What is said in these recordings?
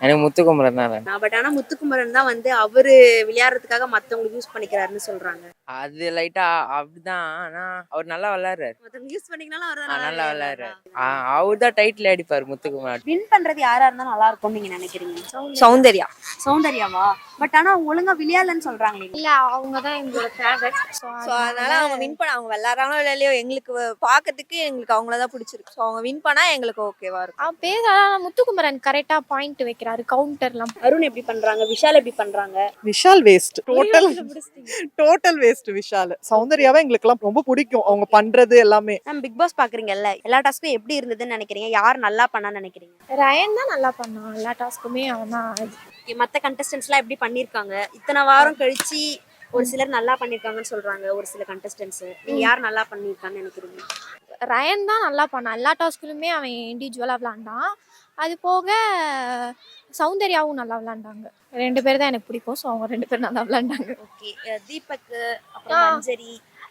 எனக்கு முத்துக்குமரன் தான் வேணும். பட் ஆனா முத்துக்குமரன் தான் வந்து அவரு விளையாடுறதுக்காக மத்தவங்களுக்கு யூஸ் பண்ணிக்கிறாருன்னு சொல்றாங்க. அது லைட்டா அப்படிதான். ஆனா அவர் நல்லா விளையாடுறாரு. மத்தவங்க யூஸ் பண்ணிக்கனாலும் அவர் தான் நல்லா நல்லா விளையாடுறாரு. விளையாடுறாரா? அவர் தான் டைட்டில் அடிப்பாரு முத்துக்குமரன். வின் பண்றது யாரா இருந்தா நல்லா இருக்கும்னு நீங்க நினைக்கிறீங்க? சௌந்தர்யா. சௌந்தர்யாவா? பட் ஆனா அவங்க ஒழுங்கா விளையாடலன்னு சொல்றாங்களே. இல்ல அவங்க தான் எங்களோட ஃபேவரட். ஸோ அதனால அவங்க வின் பண்ண, அவங்க விளையாடுறாங்களோ இல்லையோ எங்களுக்கு பார்க்கறதுக்கு எங்களுக்கு அவங்கள தான் பிடிச்சிருக்கு. ஸோ அவங்க வின் பண்ணா எங்களுக்கு ஓகேவா இருக்கும். அவன் பேர் முத்துக்குமரன் கரெக்டா பாயிண்ட் வைக்கிறாரு, கவுண்டர்லாம். அருண் எப்படி பண்றாங்க, விஷால் எப்படி பண்றாங்க? Vishal waste, total waste Vishal. சௌந்தர்யாவை எங்களுக்கு எல்லாம் ரொம்ப பிடிக்கும், அவங்க பண்றது எல்லாமே. நம்ம பிக் பாஸ் பாக்குறீங்கல்ல, எல்லா டாஸ்க்கும் எப்படி இருந்ததுன்னு நினைக்கிறீங்க? யார் நல்லா பண்ணான்னு நினைக்கிறீங்க? ரயன் தான் நல்லா பண்ணான் எல்லா டாஸ்க்குமே. அவன் தான். மத்த கண்டஸ்டன்ட்ஸ்லாம் எப்படி பண்ணிருக்காங்க? இத்தனை வாரம் கழிச்சு ஒரு சிலர் நல்லா பண்ணிருக்காங்கன்னு சொல்றாங்க, ஒரு சில கண்டஸ்டன்ட்ஸ். நீங்க யார் நல்லா பண்ணிருக்கான்னு நினைக்கிறீங்க? ரயன் தான் நல்லா பண்ணான் எல்லா டாஸ்க்குலுமே. அவன் இண்டிவிஜுவலா விளாண்டான். அது போக சௌந்தர்யாவும் நல்லா விளாண்டாங்க. 2 பேர் தான் எனக்கு பிடிக்கும். ஸோ அவங்க 2 பேரும் நல்லா விளாண்டாங்க. ஓகே. தீபக், அப்புறம் மஞ்சரி,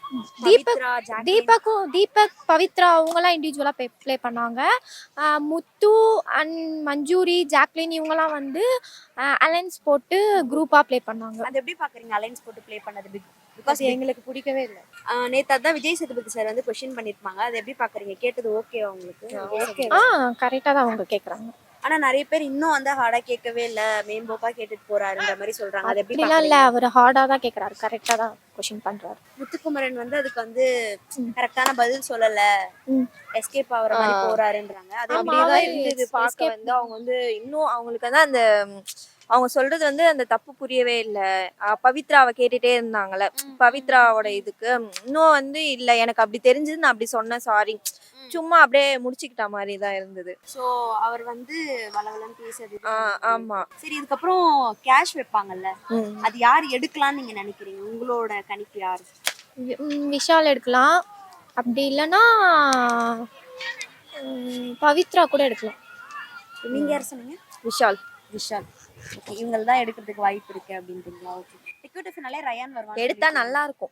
தீபக், பவித்ரா அவங்கலாம் இண்டிவிஜுவலா ப்ளே பண்ணாங்க. முத்து அண்ட் மஞ்சூரி, ஜாக்லின் இவங்கலாம் வந்து அலைன்ஸ் போட்டு குரூப்பா ப்ளே பண்ணாங்க. அது எப்படி பாக்குறீங்க அலைன்ஸ் போட்டு ப்ளே பண்ணது? பிகாஸ் எங்களுக்கு பிடிக்கவே இல்லை. நேத்து அதான் விஜய் சேதுபதி சார் வந்து கொஸ்டின் பண்ணிருப்பாங்க, அது எப்படி பாக்குறீங்க? கேட்டது ஓகேவா உங்களுக்கு? கரெக்டா தான் அவங்க கேக்குறாங்க. ஆனா நிறைய பேர் இன்னும் வந்து ஹார்டா கேட்கவே இல்ல, மேம்போக்கா கேட்டுட்டு போறாருன்ற மாதிரி சொல்றாங்க. அது எப்படி அப்படிலாம் இல்ல, அவர் ஹார்டா தான் கேக்குறாரு, கரெக்டா தான் கொஸ்டின் பண்றாரு. முத்துக்குமரன் வந்து அதுக்கு வந்து கரெக்டான பதில் சொல்லல, எஸ்கேப் ஆகுற மாதிரி போறாருன்றாங்க. அது அப்படிதான் இருந்தது பார்க்க. வந்து அவங்க வந்து இன்னும் அவங்களுக்கு வந்து அந்த அவங்க சொல்றது வந்து அந்த தப்பு புரியவே இல்லை. பவித்ராவை கேட்டுட்டே இருந்தாங்கல்ல, பவித்ராவோட இதுக்கு இன்னும் வந்து இல்ல எனக்கு அப்படி தெரிஞ்சது, நான் அப்படி சொன்னேன், சாரி, சும்மா அப்படியே முடிச்சுக்கிட்ட மாதிரி தான் இருந்தது. சோ அவர் வந்து வளவலன்னு பேசுறது. ஆமா. சரி, இதுக்கப்புறம் கேஷ் வைப்பாங்கல்ல, அது யார் எடுக்கலாம்னு நீங்க நினைக்கிறீங்க? உங்களோட கணிப்பு யாரு? விஷால் எடுக்கலாம், அப்படி இல்லைன்னா பவித்ரா கூட எடுக்கலாம். நீங்க யார் சொன்னீங்க? விஷால். ஓகே, இவங்க தான் எடுக்கிறதுக்கு வாய்ப்பு இருக்கு அப்படின்றீங்களா? ஓகே. டிக்கெட் ஃபினாலே ரயான் வருவாங்க. எடுத்தா நல்லா இருக்கும்.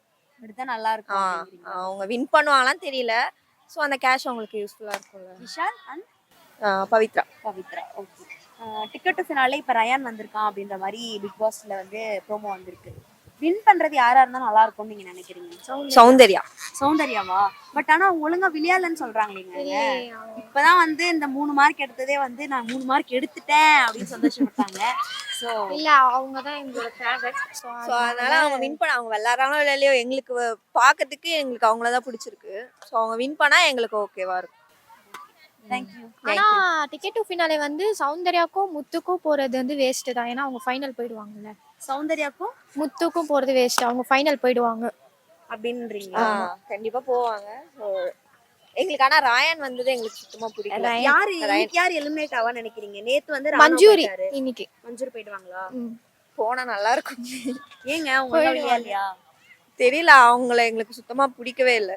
அவங்க வின் பண்ணுவாங்களான்னு தெரியல. ஸோ அந்த கேஷ் அவங்களுக்கு யூஸ்ஃபுல்லா இருக்கும்ல. Vishal and Pavithra. Okay. Ticket finale இப்போ ரயான் வந்திருக்கான் அப்படின்ற மாதிரி பிக் பாஸ்ல வந்து ப்ரோமோ வந்திருக்கு. வின் பண்றது யாரா இருந்தா நல்லா இருக்கும்னு நீங்க நினைக்கிறீங்க? சௌந்தர்யாவா? பட் ஆனா அவங்க ஒழுங்கா விளையாடலன்னு சொல்றாங்களேங்க. இப்பதான் வந்து இந்த 3 மார்க் எடுத்ததே வந்து நான் 3 மார்க் எடுத்துட்டேன் அப்படின்னு சந்தோஷப்பட்டாங்க. சோ இல்ல அவங்க தான் எங்களோட ஃபேவரட். ஸோ அதனால அவங்க வின் பண்ண, அவங்க விளையாடுறாங்களோ இல்லையோ எங்களுக்கு பார்க்கறதுக்கு எங்களுக்கு அவங்கள தான் பிடிச்சிருக்கு. ஸோ அவங்க வின் பண்ணா எங்களுக்கு ஓகேவா இருக்கும். தேங்க்யூ. ஆனா டிக்கெட் டு ஃபினாலே வந்து சௌந்தர்யாக்கும் முத்துக்கும் போறது வந்து வேஸ்ட் தான். ஏன்னா அவங்க ஃபைனல் போயிடுவாங்கல்ல. சௌந்தர்யாக்கும் முத்துக்கும் போறது வேஸ்ட், அவங்க ஃபைனல் போயிடுவாங்க அப்படின்றீங்க? கண்டிப்பா போவாங்க. ஸோ எங்களுக்கு ஆனா ராயன் வந்தது எங்களுக்கு சுத்தமா பிடிக்கல. யார் எலிமினேட் ஆவான்னு நினைக்கிறீங்க? நேத்து வந்து மஞ்சூரி. இன்னைக்கு மஞ்சூரி போயிடுவாங்களா? போனா நல்லா இருக்கும். ஏங்க அவங்க விளையாடலையா? தெரியல, அவங்கள எங்களுக்கு சுத்தமா பிடிக்கவே இல்லை.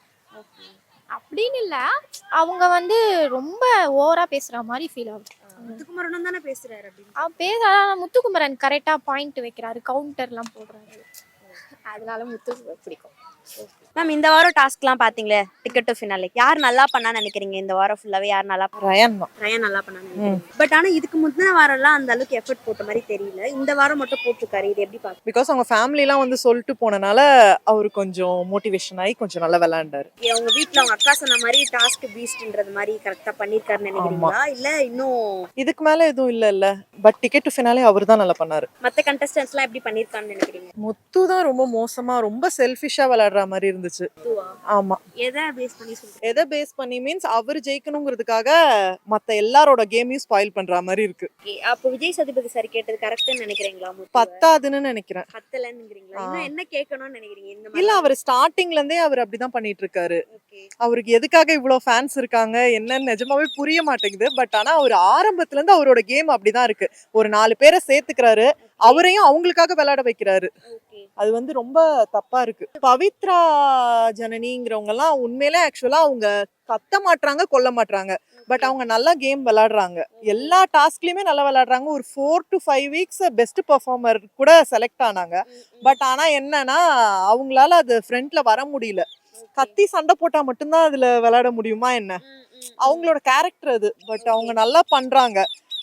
அப்படின்னு இல்ல, அவங்க வந்து ரொம்ப ஓவரா பேசுற மாதிரி ஃபீல் ஆகுது. முத்துக்குமரனும் தானே பேசுறாரு அப்படின்னு. அவன் பேர் முத்துக்குமரன் கரெக்டா பாயிண்ட் வைக்கிறாரு, கவுண்டர்லாம் போடுறாரு. அதனால முத்து பிடிக்கும். மேம், இந்த வாரம் டாஸ்க்லாம் பாத்தீங்களே, டிக்கெட் டு ஃபினாலே யார் நல்லா பண்ணான்னு நினைக்கிறீங்க? இந்த வாரம் ஃபுல்லாவே யார் நல்லா? ரயான் நல்லா பண்ணான்னு. பட் ஆனா இதுக்கு முந்தின வாரம் எல்லாம் அந்த அளவுக்கு எஃபர்ட் போட்ட மாதிரி தெரியல, இந்த வாரம் மட்டும் போட்டிருக்காரு. இது எப்படி பாக்க? பிகாஸ் அவங்க ஃபேமிலி எல்லாம் வந்து சொல்லிட்டு போனனால அவரு கொஞ்சம் மோட்டிவேஷன் ஆகி கொஞ்சம் நல்லா விளையாண்டாரு. அவங்க வீட்டுல அவங்க அக்கா சொன்ன மாதிரி டாஸ்க் பீஸ்ட்ன்றது மாதிரி கரெக்டா பண்ணிருக்காருன்னு நினைக்கிறீங்களா? இல்ல இன்னும் இதுக்கு மேல எதுவும் இல்ல. பட் டிக்கெட் டு ஃபினாலே அவர் தான் நல்லா பண்ணாரு. மத்த கண்டஸ்டன்ட்ஸ் எல்லாம் எப்படி பண்ணிருக்கான்னு நினைக்கிறீங்க? முத்து தான் ரொம்ப மோசமா, ரொம்ப செல்ஃபிஷா விளையாடுற மாதிரி இருந்துச்சு. ஆமா. எதை பேஸ் பண்ணி சொல்றீங்க? எதை பேஸ் பண்ணி மீன்ஸ் அவர் ஜெயிக்கணுங்கிறதுக்காக மத்த எல்லாரோட கேமையும் ஸ்பாயில் பண்ற மாதிரி இருக்கு. அப்ப விஜய் சேதுபதி சார் கேட்டது கரெக்ட்னு நினைக்கிறீங்களா? பத்தாதுன்னு நினைக்கிறேன். பத்தலங்கிறீங்களா? இன்னும் என்ன கேட்கணும்னு நினைக்கிறீங்க? இந்த மாதிரி இல்ல, அவர் ஸ்டார்டிங்ல இருந்தே அவர் அப்படிதான் பண்ணிட்டு இருக்காரு. அவருக்கு எதுக்காக இவ்வளவு ஃபேன்ஸ் இருக்காங்க என்னன்னு நிஜமாவே புரிய மாட்டேங்குது. பட் ஆனா அவர் ஆரம்பத்துல இருந்து அவரோட கேம் அப்படிதான் இருக்கு. ஒரு 4 பேரை சேர்த்துக்கிறாரு, அவரையும் அவங்களுக்காக விளையாட வைக்கிறாரு. அது வந்து ரொம்ப தப்பா இருக்கு. பவித்ரா ஜனனிங்கிறவங்க எல்லாம் உண்மையிலே ஆக்சுவலா அவங்க கத்த மாட்டாங்க, கொல்ல மாட்டாங்க. பட் அவங்க நல்லா கேம் விளையாடுறாங்க, எல்லா டாஸ்க்லயுமே நல்லா விளையாடுறாங்க. ஒரு 4 to 5 weeks பெஸ்ட் பெர்ஃபார்மர் கூட செலக்ட் ஆனாங்க. பட் ஆனா என்னன்னா அவங்களால அது ஃப்ரண்ட்ல வர முடியல. கத்தி சண்டை போட்டா மட்டும்தான் அதுல விளையாட முடியுமா என்ன? அவங்களோட கேரக்டர் அது. பட் அவங்க நல்லா பண்றாங்க.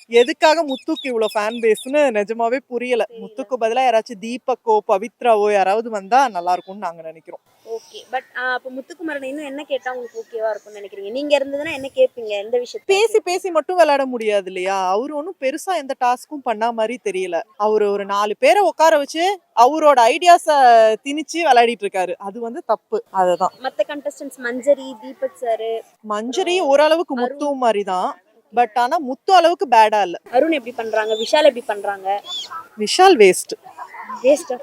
எதுக்காக முத்துக்கு இவ்வளவு ஃபேன் பேஸ்னு நிஜமாவே புரியல. முத்துக்கு பதிலா யாராச்சும் தீபக்கோ பவித்ராவோ யாராவது வந்தா நல்லா இருக்கும்னு நாங்க நினைக்கிறோம். ஓகே. பட் அப்ப முத்துக்குமரன் இன்னும் என்ன கேட்டா உங்களுக்கு ஓகேவா இருக்கும்னு நினைக்கிறீங்க? நீங்க இருந்ததுன்னா என்ன கேட்பீங்க? எந்த விஷயத்தை பேசி பேசி மட்டும் விளையாட முடியாது இல்லையா? அவரு ஒன்றும் பெருசா எந்த டாஸ்க்கும் பண்ணா மாதிரி தெரியல. அவரு ஒரு 4 பேரை உட்கார வச்சு அவரோட ஐடியாஸ திணிச்சு விளையாடிட்டு இருக்காரு. அது வந்து தப்பு. அதுதான். மத்த கண்டஸ்டன்ஸ் மஞ்சரி, தீபக் சார், மஞ்சரி ஓரளவுக்கு முத்து மாதிரி தான். பட் ஆனா முத்து அளவுக்கு பேடா இல்ல. அருண் எப்படி பண்றாங்க? விஷால் எப்படி பண்றாங்க? விஷால் வேஸ்ட். வேஸ்டா?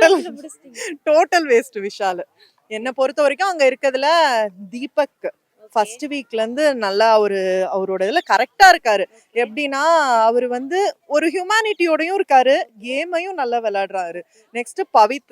Total waste Vishal. என்ன பொறுத்த வரைக்கும் அங்க இருக்கிறதுல தீபக் ஃபர்ஸ்ட் வீக்ல இருந்து நல்லா அவரோட இதுல கரெக்டா இருக்காரு. எப்படின்னா அவரு வந்து ஒரு ஹியூமானிட்டியோடயும் இருக்காரு, கேமையும் நல்லா விளையாடுறாரு. நெக்ஸ்ட்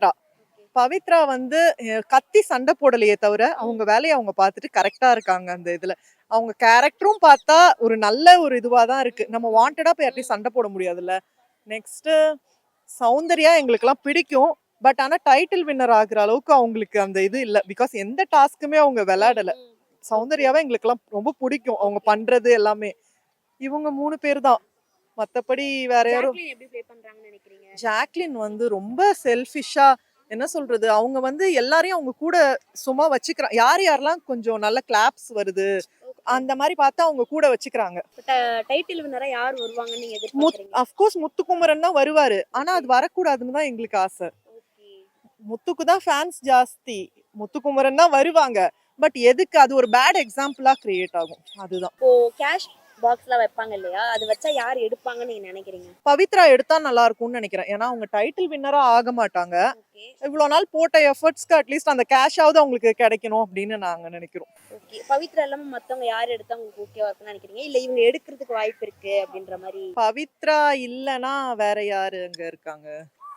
பவித்ரா வந்து கத்தி சண்டை போடலையே தவிர அவங்க வேலையை அவங்க பார்த்துட்டு கரெக்டா இருக்காங்க. அந்த இதுல அவங்க கேரக்டரும் பார்த்தா ஒரு நல்ல ஒரு இதுவா தான் இருக்கு. நம்ம வாண்டடா போய் யார்ட்டையும் சண்டை போட முடியாதுல்ல. நெக்ஸ்ட் சௌந்தர்யா எங்களுக்கெல்லாம் பிடிக்கும். பட் ஆனா டைட்டில் வின்னர் ஆகுற அளவுக்கு அவங்களுக்கு அந்த இது இல்ல. பிகாஸ் எந்த டாஸ்க்குமே அவங்க விளையாடல. சௌந்தர்யாவை எங்களுக்கெல்லாம் ரொம்ப பிடிக்கும், அவங்க பண்றது எல்லாமே. இவங்க 3 பேர் தான். மத்தபடி வேற யாரும். ஜாக்லின் எப்படி ப்ளே பண்றாங்கன்னு நினைக்கிறீங்க? ஜாக்லின் வந்து ரொம்ப செல்ஃபிஷா, என்ன சொல்றது, அவங்க வந்து எல்லாரையும் அவங்க கூட சும்மா வச்சுக்கிறாங்க. யாரெல்லாம் கொஞ்சம் நல்ல கிளாப்ஸ் வருது அந்த மாதிரி பார்த்தா அவங்க கூட வச்சுக்கிறாங்க. டைட்டில் வின்னரா யார் வருவாங்கன்னு நீங்க எதிர்பார்க்கறீங்க? அஃப்கோர்ஸ் முத்துக்குமரன் தான் வருவாரு. ஆனா அது வரக்கூடாதுன்னு தான் எங்களுக்கு ஆசை. ஓகே. முத்துக்கு தான் ஃபேன்ஸ் ஜாஸ்தி. முத்துக்குமரன் தான் வருவாங்க. பட் எதுக்கு அது ஒரு பேட் எக்ஸாம்பிளா கிரியேட் ஆகும். அதுதான். இப்போ கேஷ் பாக்ஸ்லாம் வைப்பாங்க இல்லையா? அது வச்சா யார் எடுப்பாங்கன்னு நீங்க நினைக்கிறீங்க? பவித்ரா எடுத்தா நல்லா இருக்கும்னு நினைக்கிறேன். ஏன்னா அவங்க டைட்டில் வின்னரா ஆக மாட்டாங்க. ஓகே. இவ்வளவு நாள் போட்ட எஃபர்ட்ஸ்க்கு அட்லீஸ்ட் அந்த கேஷாவது அவங்களுக்கு கிடைக்கணும் அப்படின்னு நாங்க நினைக்கிறோம். ஓகே. பவித்ரா இல்லாம மத்தவங்க யார் எடுத்தா உங்களுக்கு ஓகேவா இருக்கும்னு நினைக்கிறீங்க? இல்ல இவங்க எடுக்கிறதுக்கு வாய்ப்பு இருக்கு அப்படின்ற மாதிரி? பவித்ரா இல்லனா வேற யாரு அங்க இருக்காங்க?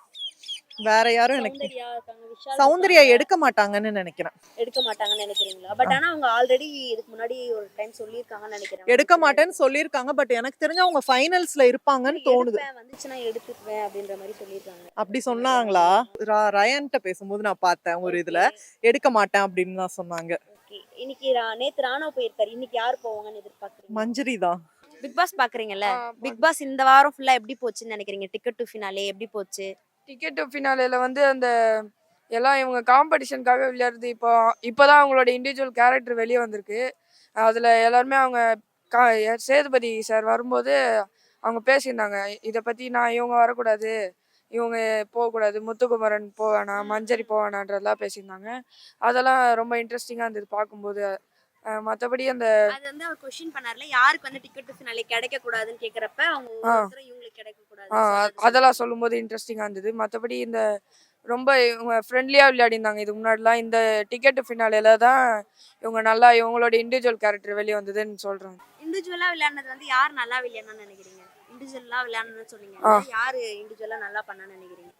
வேற யாரும் எனக்கு சௌந்தர்யா இருக்காங்க, விஷால் சௌந்தர்யா இருக்காங்க. எடுக்க மாட்டாங்கன்னு நினைக்கிறேன். எடுக்க மாட்டாங்கன்னு நினைக்கிறீங்களா? பட் ஆனா அவங்க ஆல்ரெடி இதுக்கு முன்னாடி ஒரு டைம் சொல்லியிருக்காங்கன்னு நினைக்கிறேன். எடுக்க மாட்டேன்னு சொல்லியிருக்காங்க. பட் எனக்கு தெரிஞ்சு அவங்க ஃபைனல்ஸ்ல இருப்பாங்கன்னு தோணுது. எடுப்பேன், வந்துச்சுன்னா எடுத்துக்குவேன் அப்படின்ற மாதிரி சொல்லியிருக்காங்க. அப்படி சொன்னாங்களா? ரயான்ட்ட பேசும்போது நான் பார்த்தேன் ஒரு இதுல. எடுக்க மாட்டேன் அப்படின்னு தான் சொன்னாங்க. ஓகே. இன்னைக்கு நேத்து ராணவ் போயிருக்காரு. இன்னைக்கு யார் போவாங்கன்னு எதிர்பார்க்கறீங்க? மஞ்சரி தான். பிக் பாஸ் பாக்குறீங்கல்ல? பிக் பாஸ் இந்த வாரம் ஃபுல்லா எப்படி போச்சுன்னு நினைக்கிறீங்க? டிக்கெட் டு ஃபினாலே எப்படி போச்சு? டிக்கெட் ஃபினாலேல வந்து அந்த எல்லாம் இவங்க காம்படிஷனுக்காக விளையாடுறது. இப்போதான் அவங்களோட இண்டிவிஜுவல் கேரக்டர் வெளியே வந்திருக்கு. அதில் எல்லாருமே அவங்க சேதுபதி சார் வரும்போது அவங்க பேசியிருந்தாங்க, இதை பற்றி இவங்க வரக்கூடாது, இவங்க போகக்கூடாது, முத்துக்குமரன் போவேணாம், மஞ்சரி போவேணான்றதெல்லாம் பேசியிருந்தாங்க. அதெல்லாம் ரொம்ப இன்ட்ரெஸ்டிங்காக இருந்தது பார்க்கும்போது. மற்றபடி அந்த அது வந்து அவர் கொஸ்டின் பண்ணார்ல, யாருக்கு வந்து டிக்கெட் டு ஃபினாலே கிடைக்க கூடாதுன்னு கேக்குறப்ப அவங்க ஒவ்வொருத்தரும் இவங்களுக்கு கிடைக்க கூடாது அதெல்லாம் சொல்லும்போது இன்ட்ரெஸ்டிங்காக இருந்தது. மற்றபடி இந்த ரொம்ப இவங்க ஃப்ரெண்ட்லியாக விளையாடிருந்தாங்க இதுக்கு முன்னாடிலாம். இந்த டிக்கெட் ஃபினாலேல தான் இவங்க நல்லா இவங்களோட இண்டிவிஜுவல் கேரக்டர் வெளியே வந்ததுன்னு சொல்கிறாங்க. இண்டிவிஜுவலா விளையாடுனது வந்து யார் நல்லா விளையாடணும்னு நினைக்கிறீங்க? இண்டிவிஜுவலா விளையாடணும்னு சொன்னீங்க, யாரு இண்டிவிஜுவலா நல்லா பண்ணான்னு நினைக்கிறீங்க?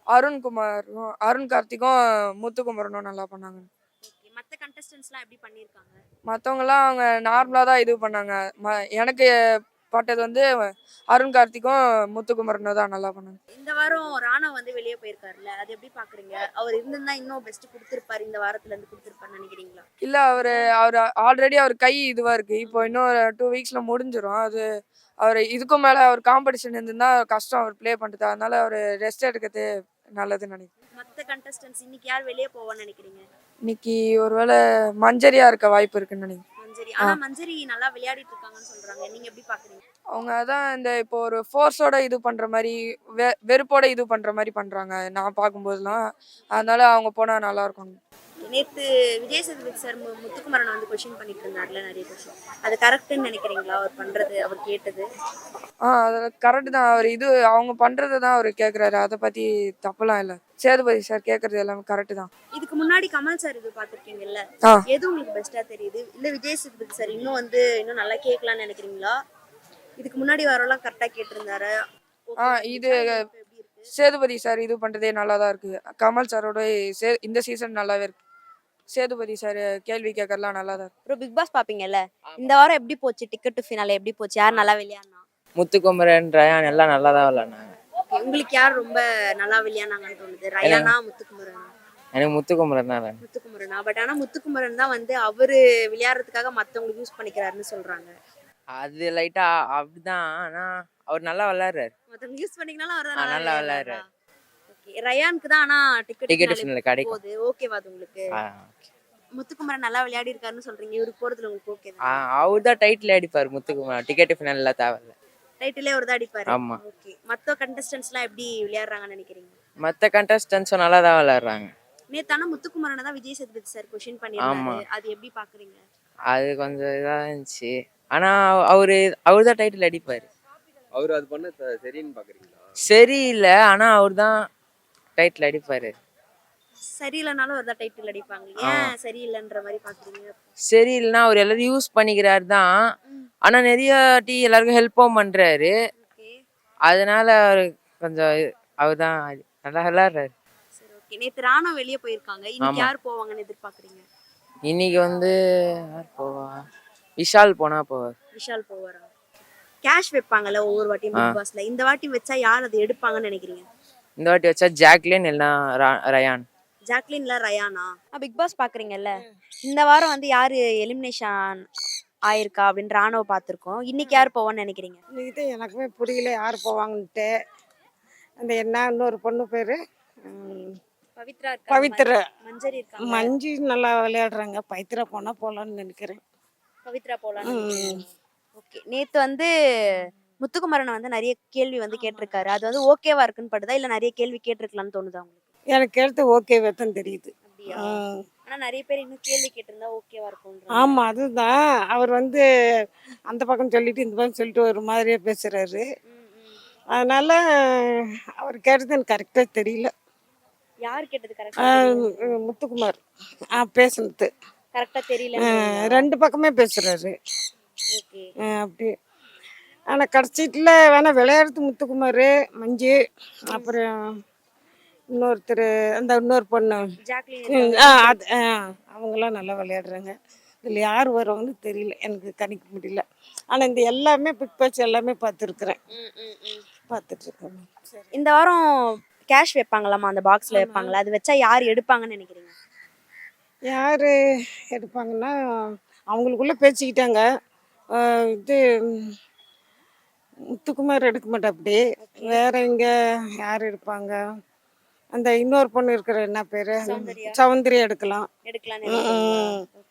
அருண் கார்த்திக்கும் முத்துக்குமரனும் நல்லா பண்ணாங்க. ஓகே. மத்த கண்டஸ்டன்ட்ஸ்லாம் எப்படி பண்ணிருக்காங்க? மற்றவங்கலாம் அவங்க நார்மலாக தான் இது பண்ணாங்க. எனக்கு பட்டது வந்து அருண் கார்த்திக்கும் முத்துக்குமரனும் தான் நல்லா பண்ணாங்க. இந்த வாரம் ராணவ் வந்து வெளியே போயிருக்காருல்ல, அது எப்படி பாக்குறீங்க? அவர் இருந்திருந்தா இன்னும் பெஸ்ட் கொடுத்திருப்பாரு, இந்த வாரத்துல இருந்து கொடுத்திருப்பாருன்னு நினைக்கிறீங்களா? இல்லை, அவர் ஆல்ரெடி அவர் கை இதுவாக இருக்குது. இப்போ இன்னும் 2 வீக்ஸில் முடிஞ்சிடும். அது அவர் இதுக்கும் மேலே அவர் காம்படிஷன் இருந்துன்னா கஷ்டம் அவர் ப்ளே பண்ணுறது. அதனால அவர் ரெஸ்ட் எடுக்கிறது நல்லதுன்னு நினைக்கிறேன். மத்த கண்டஸ்டன்ட்ஸ் இன்னைக்கு யார் வெளியே போவான்னு நினைக்கிறீங்க? இன்னைக்கு ஒருவேளை மஞ்சரியா இருக்க வாய்ப்பு இருக்குன்னு நினைக்கிறேன். மஞ்சரி. ஆனா மஞ்சரி நல்லா விளையாடிட்டு இருக்காங்கன்னு சொல்றாங்க, நீங்க எப்படி பாக்குறீங்க? அவங்க அதான் இந்த இப்போ ஒரு ஃபோர்ஸோட இது பண்ற மாதிரி, வெறுப்போட இது பண்ற மாதிரி பண்றாங்க நான் பார்க்கும்போதெல்லாம். அதனால அவங்க போனா நல்லா இருக்கும். நேத்து விஜய் சேதுபதி சார் முத்துக்குமரன் வந்து கொஸ்டின் பண்ணிட்டு இருந்தாருல, நிறைய கொஸ்டின். அது கரெக்ட்னு நினைக்கிறீங்களா அவர் பண்றது, அவர் கேட்டது? அது கரெக்ட் தான். அவர் அவங்க பண்றதை தான் அவர் கேட்குறாரு. அதை பத்தி தப்புலாம் இல்லை. சேதுபதி சார் கேட்கறது எல்லாமே கரெக்ட் தான். இதுக்கு முன்னாடி கமல் சார் இது பாத்திருக்கீங்கல்ல, எது உங்களுக்கு பெஸ்டா தெரியுது? இல்ல விஜய் சேதுபதி சார் இன்னும் நல்லா கேட்கலாம்னு நினைக்கிறீங்களா? இதுக்கு முன்னாடி வரலாம் கரெக்டா கேட்டிருந்தாரு. இது சேதுபதி சார் இது பண்றதே நல்லா தான் இருக்கு. கமல் சாரோட இந்த சீசன் நல்லாவே இருக்கு. சேதுபதி சார் கேள்வி கேட்கறலாம் நல்லா தான் இருக்கு. அப்புறம் பிக் பாஸ் பாப்பீங்கல்ல, இந்த வாரம் எப்படி போச்சு? டிக்கெட் டு ஃபினாலே எப்படி போச்சு? யார் நல்லா விளையாடுனா? முத்துக்குமரன் ரயான் எல்லாம் நல்லா தான் விளையாடுனாங்க. உங்களுக்கு யார் ரொம்ப நல்லா விளையாடுனாங்கன்னு தோணுது? ரயானா, முத்துக்குமரனா? எனக்கு முத்துக்குமரன் தான். முத்துக்குமரனா? பட் ஆனா முத்துக்குமரன் தான் வந்து அவரு விளையாடுறதுக்காக மத்தவங்களுக்கு யூஸ் பண்ணிக்கிறாருன்னு சொல்றாங்க. அது லைட்டா அப்படிதான். ஆனா அவர் நல்லா விளையாடுறாரு. மத்தவங்க யூஸ் பண்ணீங்கனாலும் அவர் தான் நல்லா நல்லா விளையாடுறாரு. விளையாடுறாரா? ஓகே. ரயானுக்கு தான் ஆனா டிக்கெட் டிக்கெட் ஃபினால கிடைக்கும். போகுது. ஓகேவா அது உங்களுக்கு? ஆ, முத்துக்குமரன் நல்லா விளையாடி இருக்காருன்னு சொல்றீங்க. இவருக்கு போறதுல உங்களுக்கு ஓகே ஆ, தான். அவர் தான் டைட்டில் அடிப்பார் முத்துக்குமார். டிக்கெட் ஃபினால தேவையில்ல. டைட்டிலே அவர் தான் அடிப்பாரு. ஆமா. ஓகே. மத்த கண்டஸ்டன்ட்ஸ்லாம் எப்படி விளையாடுறாங்கன்னு நினைக்கிறீங்க? மற்ற கண்டஸ்டன்ஸும் நல்லா தான் விளையாடுறாங்க. நேத்து ஆனா முத்துக்குமரனை தான் விஜய் சேதுபதி சார் கொஸ்டின் ஆமா. பண்ணியிருந்தாரு. அது எப்படி பாக்குறீங்க? அது கொஞ்சம் இதாக இருந்துச்சு. ஆனால் அவர் தான் டைட்டில் அடிப்பார். அவர் அது பண்ண சரின்னு பாக்குறீங்களா? சரியில்லை, ஆனால் அவர் தான் டைட்டில் அடிப்பார். சரியில்லைனாலும் அவர் தான் டைட்டில் அடிப்பாங்க. ஏன் சரியில்லைன்ற மாதிரி பாக்குறீங்க? சரியில்லைன்னா அவர் எல்லாரும் யூஸ் பண்ணிக்கிறாரு தான். ஆனால் நிறைய எல்லாருக்கும் ஹெல்ப்பும் பண்ணுறாரு. ஓகே. அதனால அவர் கொஞ்சம் அவர் தான் நல்லா விளையாடுறாரு. சரி ஓகே. நேத்து ராணா வெளியே போயிருக்காங்க. இன்னைக்கு ஆமா. யார் போவாங்கன்னு எதிர்பார்க்கறீங்க? இன்னைக்கு யார் போவா? விஷால் போனா போவார். விஷால் போவாரா? கேஷ் வைப்பாங்கல்ல ஒவ்வொரு வாட்டியும் பிக் பாஸ்ல. இந்த வாட்டி வச்சா யார் அதை எடுப்பாங்கன்னு நினைக்கிறீங்க? இந்த வாட்டி வச்சா ஜாக்லின் இல்லைன்னா ரயான். ஜாக்லின்ல ரயானா? பிக் பாஸ் பாக்குறீங்கல்ல, இந்த வாரம் வந்து யாரு எலிமினேஷன் ஆயிருக்கா அப்படின்னு ராணுவ பார்த்துருக்கோம். இன்னைக்கு யார் போவான்னு நினைக்கிறீங்க? இன்னைக்கு தான் எனக்குமே புரியல யார் போவாங்கன்ட்டு. அந்த என்ன இன்னொரு பொண்ணு பேரு பவித்ரா இருக்கா? பவித்ரா. மஞ்சரி இருக்காங்க. மஞ்சு நல்லா விளையாடுறாங்க. பவித்ரா போனா போலான்னு நினைக்கிறேன். பவித்ரா போலாம். ஓகே. நேத்து வந்து முத்துக்குமரனை வந்து நிறைய கேள்வி வந்து கேட்டிருக்காரு. அது வந்து ஓகேவா இருக்குன்னு படுதா இல்ல நிறைய கேள்வி கேட்டிருக்கலாம்னு தோணுதா உங்களுக்கு? எனக்கு எடுத்து ஓகேவே தான் தெரியுது. அப்படியா? ஆனா நிறைய பேர் இன்னும் கேள்வி கேட்டிருந்தா ஓகேவா இருக்கும். ஆமா, அதுதான் அவர் அந்த பக்கம் சொல்லிட்டு இந்த பக்கம் சொல்லிட்டு ஒரு மாதிரியா பேசுறாரு. அதனால அவர் கேட்டது எனக்கு கரெக்டா தெரியல. யார் கேட்டது கரெக்டா? முத்துக்குமார் பேசுனது கரெக்டா தெரியல. ரெண்டு பக்கமே பேசுறாரு. ஓகே. அப்படி ஆனால் கடைசிட்டில் வேணா விளையாடுறது முத்துக்குமார், மஞ்சு, அப்புறம் இன்னொருத்தர் இன்னொரு பொண்ணு ஜாக்லின். அவங்களாம் நல்லா விளையாடுறாங்க. இதில் யார் வருவாங்கன்னு தெரியல, எனக்கு கணிக்க முடியல. ஆனால் இந்த எல்லாமே பிக் பாஸ் எல்லாமே பார்த்துருக்குறேன், பார்த்துட்ருக்கேன். சரி. இந்த வாரம் கேஷ் வைப்பாங்களாமா, அந்த பாக்ஸ்ல வைப்பாங்களா? அது வச்சா யார் எடுப்பாங்கன்னு நினைக்கிறீங்க? யார் எடுப்பாங்கன்னா அவங்களுக்குள்ளே பேசிக்கிட்டாங்க. இது முத்துக்குமார் எடுக்க மாட்டாப்படி. வேற இங்கே யார் எடுப்பாங்க? அந்த இன்னொரு பொண்ணு இருக்கிற என்ன பேர்? சௌந்தர்யா. சௌந்தர்யா எடுக்கலாம். எடுக்கலாம்னு நினைக்கிறீங்களா?